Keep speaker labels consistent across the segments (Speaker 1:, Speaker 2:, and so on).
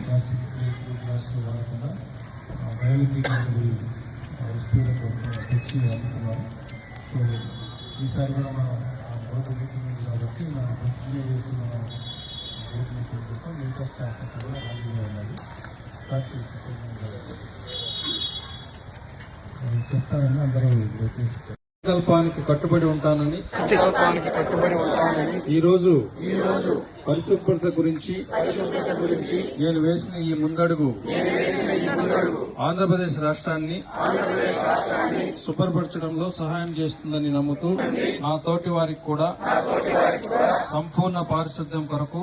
Speaker 1: Plastic ప్లేట్లు గ్లాసులు వాడకుండా బయోడిగ్రేడబుల్ వస్తువులకు తెచ్చి అందుతున్నారు. సో ఈసారి కూడా మన బోర్డు మీటింగ్ ఉంది కాబట్టి మన ప్రతిజ్ఞ చేసి మన బోర్డు మీటింగ్ కోసం మిగతా స్టాఫ్ కూడా హాజరుగా ఉండాలి. చెప్తానని అందరూ వచ్చేసి సంకల్పానికి కట్టుబడి ఉంటానని ఈరోజు పరిశుభ్రత గురించి నేను వేసిన ఈ ముందడుగు ఆంధ్రప్రదేశ్ రాష్ట్రాన్ని శుభ్రపరచడంలో సహాయం చేస్తుందని నమ్ముతూ నా తోటి వారికి కూడా సంపూర్ణ పారిశుద్ధ్యం కొరకు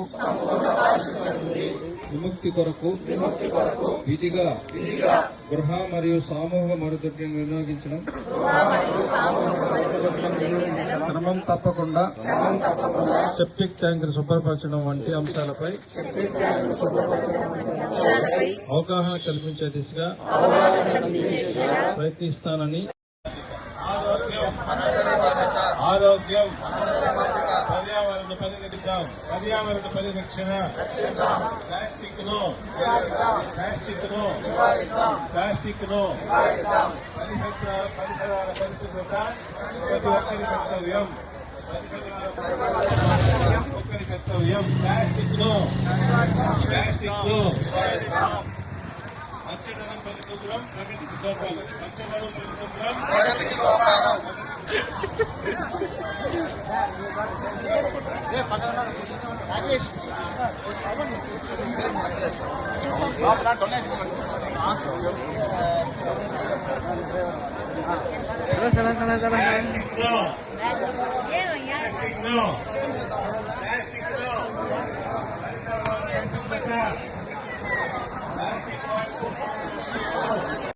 Speaker 1: విముక్తి కొరకు విధిగా గృహ మరియు సామూహిక మరుగుదొడ్డిని వినియోగించడం క్రమం తప్పకుండా సెప్టిక్ ట్యాంకును శుభ్రపరచడం వంటి అంశాలపై అవగాహన కల్పించే దిశగా ప్రయత్నిస్తానని
Speaker 2: ఆరోగ్యం పర్యావరణ పరిరక్షణ ప్లాస్టిక్ ను పరిసరాల పరిశుభ్రత ప్రతి ఒక్కరి కర్తవ్యం. ప్లాస్టిక్ ను పచ్చదనం పరిశుభ్రం ప్రగతికి సోపానం. పచ్చదనం పరిశుభ్రం ప్రగతికి సోపానం. ప్లాస్టిక్